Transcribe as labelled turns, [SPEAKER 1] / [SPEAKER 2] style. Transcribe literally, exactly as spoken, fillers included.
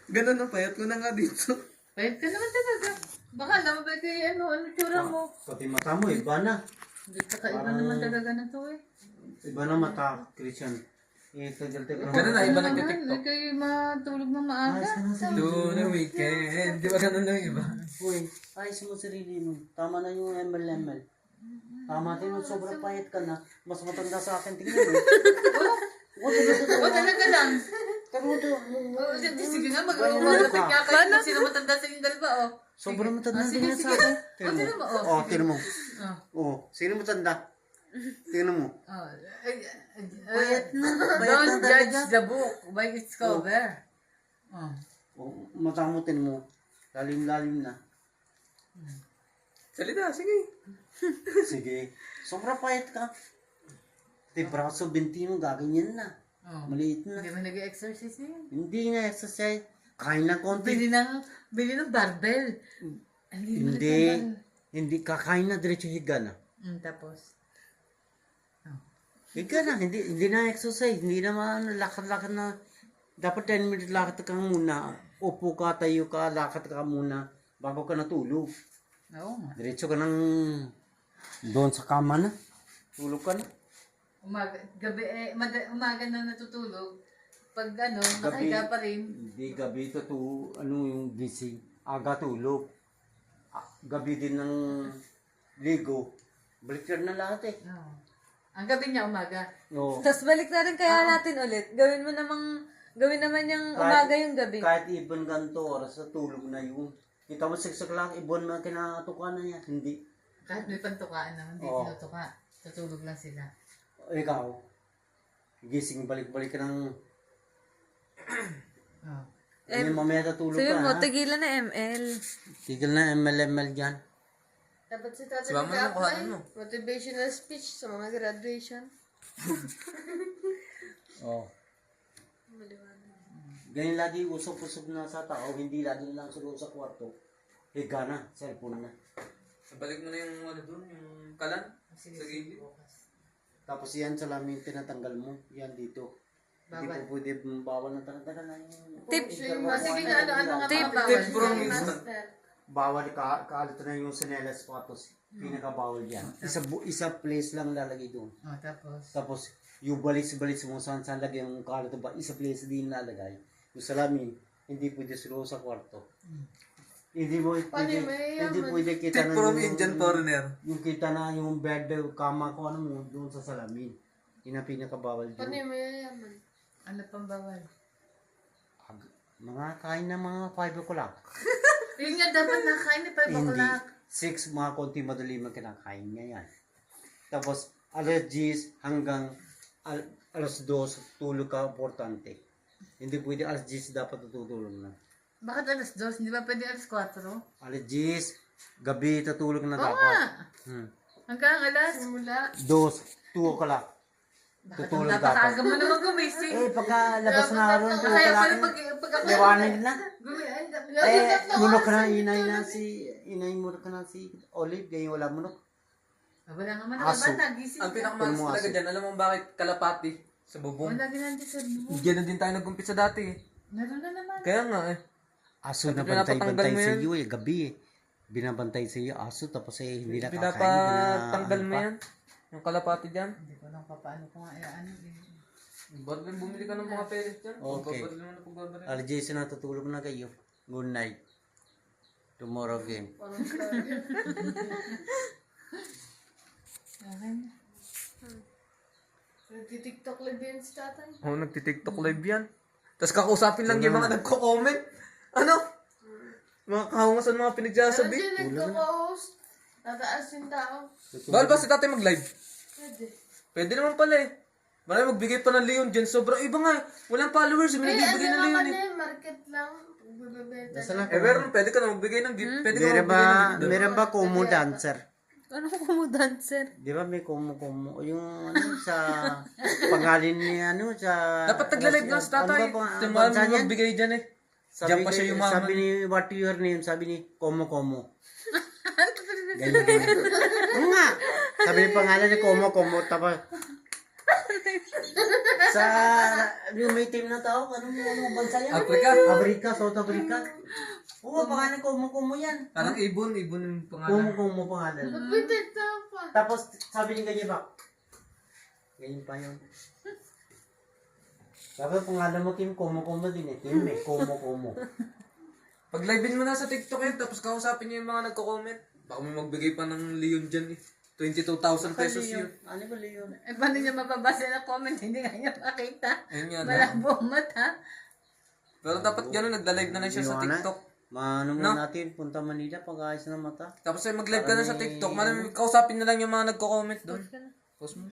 [SPEAKER 1] Ganun ang payat ko na nga dito.
[SPEAKER 2] Pwede ka naman talaga. Baka naman ba kayo ano, ano tsura mo?
[SPEAKER 3] Pati mata mo, iba na.
[SPEAKER 2] Hindi ka kaiba naman talaga na to eh.
[SPEAKER 3] Iba na mata, Christian. Eh, tagal-tagal.
[SPEAKER 1] Ganun na, iba
[SPEAKER 2] Ano
[SPEAKER 1] nagtitiktok.
[SPEAKER 2] naman, Hindi kayo matulog ng maaga.
[SPEAKER 3] Ayos ka na sarili
[SPEAKER 1] To
[SPEAKER 3] mo.
[SPEAKER 1] the weekend. Di ba ganun lang iba?
[SPEAKER 3] Uy, ayos mo sarili mo. Tama na yung M L M L. Tama din, sobrang payat ka na. Mas matanda sa akin, tingnan mo. O, talaga
[SPEAKER 2] O talaga lang.
[SPEAKER 3] Pero ito,
[SPEAKER 2] O, sige sige nga, mag-umagalapit nga kayo kung sino matanda sa inyong dalawa o.
[SPEAKER 3] sobrang matanda
[SPEAKER 2] Ah, sige,
[SPEAKER 3] din yan
[SPEAKER 2] sige.
[SPEAKER 3] sa akin.
[SPEAKER 2] O, tingnan mo, o,
[SPEAKER 3] Oh, tingnan mo.
[SPEAKER 2] Ah.
[SPEAKER 3] Oh, sino matanda? Tingnan mo.
[SPEAKER 2] Oh, ay, ay,
[SPEAKER 3] Bayad na. Bayad
[SPEAKER 2] Don't
[SPEAKER 3] na
[SPEAKER 2] judge
[SPEAKER 3] talaga.
[SPEAKER 2] the book by its cover. Oh.
[SPEAKER 3] Oh, mata mo, tingnan mo. Lalim-lalim na.
[SPEAKER 1] Salita, sige.
[SPEAKER 3] Sige. Sobrang payat ka. Di braso bintino, gaganyan na.
[SPEAKER 2] Oh.
[SPEAKER 3] Maliit na.
[SPEAKER 2] Hindi mo nag-exercise na yun.
[SPEAKER 3] Hindi nga exercise. Kain lang konti.
[SPEAKER 2] Bili ng, bili ng barbell. Ang liit mo
[SPEAKER 3] Hindi.
[SPEAKER 2] ng barbell.
[SPEAKER 3] Hindi. Kakain na diretso higa na.
[SPEAKER 2] Mm, tapos.
[SPEAKER 3] Higa na. Hindi, hindi na exercise. Hindi naman lakad-lakad na. Dapat ten minutes lakad ka muna. Upo ka, tayo ka, lakad ka muna. Bago ka natulog.
[SPEAKER 2] Oo nga.
[SPEAKER 3] Diretso ka ng doon sa kama na. Tulog ka na.
[SPEAKER 2] Umaga, gabi, eh, mada, umaga na natutulog. Pag ano,
[SPEAKER 3] Gabi.
[SPEAKER 2] nakahiga pa rin.
[SPEAKER 3] Hindi gabi to to ano yung gising. Aga tulog. Ah, gabi din ng ligo. Baliktad na lahat eh.
[SPEAKER 2] Oo. Ang gabi niya umaga.
[SPEAKER 3] No.
[SPEAKER 4] Tapos balik na rin kaya natin ulit. Gawin mo namang, gawin naman yung
[SPEAKER 3] Kahit-
[SPEAKER 4] umaga yung gabi.
[SPEAKER 3] Kahit ibon ganito oras sa tulog na yun. Kita mo siksak lang, ibon na kinatuka na yan. Hindi.
[SPEAKER 2] Kahit may pantukaan naman, hindi
[SPEAKER 3] Oo.
[SPEAKER 2] tinutuka. Tutulog lang sila.
[SPEAKER 3] O, ikaw, gising balik-balik ka ng...
[SPEAKER 2] Oh.
[SPEAKER 4] Eh,
[SPEAKER 3] May mamaya natulog
[SPEAKER 4] Sabi
[SPEAKER 3] ka
[SPEAKER 4] mo,
[SPEAKER 3] ha.
[SPEAKER 4] tigilan na M L.
[SPEAKER 3] Tigil na M L M L dyan.
[SPEAKER 5] Dapat si Tata
[SPEAKER 1] Si Mama
[SPEAKER 5] nag-apply.
[SPEAKER 1] mo, kuhanan mo.
[SPEAKER 5] Motivational speech sa mga graduation.
[SPEAKER 3] Oh. Ganyan lagi usap-usap na sa tao, hindi lagi lang sa loob sa kwarto. Higa na, cellphone na.
[SPEAKER 1] Balik mo na yung ano doon, yung kalan.
[SPEAKER 2] Sige,
[SPEAKER 1] Sa
[SPEAKER 2] sige,
[SPEAKER 1] gilid.
[SPEAKER 2] bukas.
[SPEAKER 3] Tapos yan salamin tinatanggal mo, yan dito. Hindi
[SPEAKER 2] Bawal.
[SPEAKER 3] po pwede bawal na talaga na yung...
[SPEAKER 4] Tip.
[SPEAKER 2] Ah, sige nga, ano, ano nga
[SPEAKER 4] Tip.
[SPEAKER 2] mga bawal?
[SPEAKER 1] Tip from instant.
[SPEAKER 5] Master.
[SPEAKER 3] Bawal ka, kaalit na yung sinelas patos. Pinakabawal yan. Isa, bu- isa place lang lalagay doon.
[SPEAKER 2] Oh, tapos.
[SPEAKER 3] Tapos, yung balis-balis mo saan saan lagay yung kalat ba, isa place din lalagay. Yung salamin, hindi pwede silo sa kwarto. Hindi mo,
[SPEAKER 5] Paano
[SPEAKER 3] hindi,
[SPEAKER 5] yung mayayaman?
[SPEAKER 3] hindi pwede kita
[SPEAKER 1] Tip
[SPEAKER 3] na
[SPEAKER 1] from
[SPEAKER 3] yung-
[SPEAKER 1] Indian foreigner.
[SPEAKER 3] Yung kita na yung bed, kama ko, ano mo, doon sa salamin. Yun ang pinakabawal
[SPEAKER 5] Paano
[SPEAKER 3] doon.
[SPEAKER 5] yung mayayaman?
[SPEAKER 2] Ano pang bawal?
[SPEAKER 3] Ag- Mga kain ng mga five o'clock.
[SPEAKER 2] Yun nga, dapat nakain ni five
[SPEAKER 3] Hindi.
[SPEAKER 2] o'clock.
[SPEAKER 3] Six, mga konti madali man kinakain niya yan. Tapos, alas diyes hanggang al- alas dos, tulog ka, importante. Hindi pwede alas diyes dapat tutulog na.
[SPEAKER 2] Bakit alas dos? Hindi ba pwede alas kwatro?
[SPEAKER 3] Alas diyes, gabi tutulog na
[SPEAKER 2] Oo
[SPEAKER 3] dapat.
[SPEAKER 2] nga.
[SPEAKER 3] Hmm.
[SPEAKER 2] Hanggang alas.
[SPEAKER 5] Simula.
[SPEAKER 3] Dos, two o'clock.
[SPEAKER 2] Bakit ang
[SPEAKER 3] Tutulog
[SPEAKER 2] napakaaga
[SPEAKER 3] dapat.
[SPEAKER 2] mo naman gumising?
[SPEAKER 3] Eh, pagka labas na araw, two
[SPEAKER 2] Kaya pala
[SPEAKER 3] o'clock,
[SPEAKER 2] pag, pag ako
[SPEAKER 3] liwanag na.
[SPEAKER 2] gumi, ay,
[SPEAKER 3] Eh, munok ka na, inay na si, inay munok ka na si Olive, ganyan wala munok.
[SPEAKER 2] Ah, wala nga man
[SPEAKER 3] Aso.
[SPEAKER 2] ako ba? Nagising
[SPEAKER 1] Ang
[SPEAKER 2] ka.
[SPEAKER 1] pinakamalas
[SPEAKER 3] Tulmo
[SPEAKER 1] talaga
[SPEAKER 3] aso.
[SPEAKER 1] dyan, alam mo bakit kalapati sa bubong?
[SPEAKER 2] Wala ginandi sa buhok.
[SPEAKER 1] Diyan na din tayo nag-umpisa dati eh.
[SPEAKER 2] Meron na naman.
[SPEAKER 1] Kaya nga eh.
[SPEAKER 3] Aso na
[SPEAKER 1] Pati pinapatanggal
[SPEAKER 3] bantay-bantay
[SPEAKER 1] mo
[SPEAKER 3] sa
[SPEAKER 1] yan.
[SPEAKER 3] iyo eh, gabi eh. Binabantay sa iyo, aso, tapos eh, hindi na kakain.
[SPEAKER 1] Pinapatanggal mo
[SPEAKER 3] bina-
[SPEAKER 1] yan. Yung kalapati dyan.
[SPEAKER 2] Hindi ko lang pa paano ko nga eh, ano eh.
[SPEAKER 1] Barlin, bumili ka ng mga pellets dyan.
[SPEAKER 3] Okay.
[SPEAKER 1] Pagbabaril mo na pagbabaril.
[SPEAKER 3] Alas diyes na natutulog na kayo. Good night. Tomorrow game.
[SPEAKER 5] Parang grabe.
[SPEAKER 2] Okay na.
[SPEAKER 5] Nagtitiktok live yan si Tatay.
[SPEAKER 1] Oo, oh, nagtitiktok live yan. Tapos kakausapin lang yung mga nagko-comment. Ano? Mga kahungasan, mga
[SPEAKER 5] Pero
[SPEAKER 1] pinagsasabi.
[SPEAKER 5] dyan nagko-host. Tataas yung tao.
[SPEAKER 1] Bawal ba si tatay mag-live?
[SPEAKER 5] Pwede.
[SPEAKER 1] Pwede naman pala eh. Marami magbigay pa ng Leon dyan. Sobrang iba nga eh. Walang followers. May
[SPEAKER 5] Eh,
[SPEAKER 1] nagbibigay
[SPEAKER 5] ano
[SPEAKER 1] ng Leon
[SPEAKER 5] naman
[SPEAKER 1] eh.
[SPEAKER 5] eh, market lang. Pagbibenta.
[SPEAKER 3] Nasa lang
[SPEAKER 1] Eh, meron, pwede ka na magbigay ng gift. Pwede ka
[SPEAKER 3] Meron
[SPEAKER 1] magbigay ng
[SPEAKER 3] ba,
[SPEAKER 1] gift doon.
[SPEAKER 3] meron ba kumu dancer?
[SPEAKER 4] Ano ko dancer?
[SPEAKER 3] Di ba may kumu kumu? Yung ano sa pangalan ni ano sa...
[SPEAKER 1] Dapat nagla-live lang si tatay.
[SPEAKER 3] Ano ba
[SPEAKER 1] Ito
[SPEAKER 3] pang-
[SPEAKER 1] marami
[SPEAKER 3] bansa niyan?
[SPEAKER 1] magbigay dyan eh.
[SPEAKER 3] Sabi,
[SPEAKER 1] Diyan pa siya
[SPEAKER 3] ni-
[SPEAKER 1] yumaman.
[SPEAKER 3] sabi ni what your name, sabi ni Komo Komo. Ganyan ganyan. Oo nga. Sabi ni pangalan ni Komo Komo, tapos Sa yung may team na tao, anong, anong bansa yan?
[SPEAKER 1] Africa.
[SPEAKER 3] Amerika, South Africa. Oo, pangalan ko, kumu yan.
[SPEAKER 1] Parang ibon, ibon yung pangalan.
[SPEAKER 3] Kumu, kumu pangalan.
[SPEAKER 5] Nagpitita pa.
[SPEAKER 3] Tapos, sabi niya ganyan ba? Ganyan pa yun. Tapos, pangalan mo, Kim, kumu, kumu din eh. Kim eh, kumu, kumu.
[SPEAKER 1] Pag livein mo na sa TikTok yun, tapos kausapin niyo yung mga nagko-comment. Baka may magbigay pa ng Leon dyan eh. twenty-two thousand pesos yun.
[SPEAKER 3] Ano ba yun?
[SPEAKER 2] Eh, paano niya mababasa na comment? Hindi nga niya makita.
[SPEAKER 1] Ayun nga.
[SPEAKER 2] Malabo ang mata.
[SPEAKER 1] Pero dapat gano'n, nagla-live na lang siya sa
[SPEAKER 3] Iwanan.
[SPEAKER 1] TikTok.
[SPEAKER 3] Maano mo
[SPEAKER 1] No?
[SPEAKER 3] natin, punta Manila, pag-ayos ng mata.
[SPEAKER 1] Tapos ay mag-live ka na sa
[SPEAKER 3] Parang may-
[SPEAKER 1] TikTok. Malam, kausapin na lang yung mga nagko-comment doon. Post mo.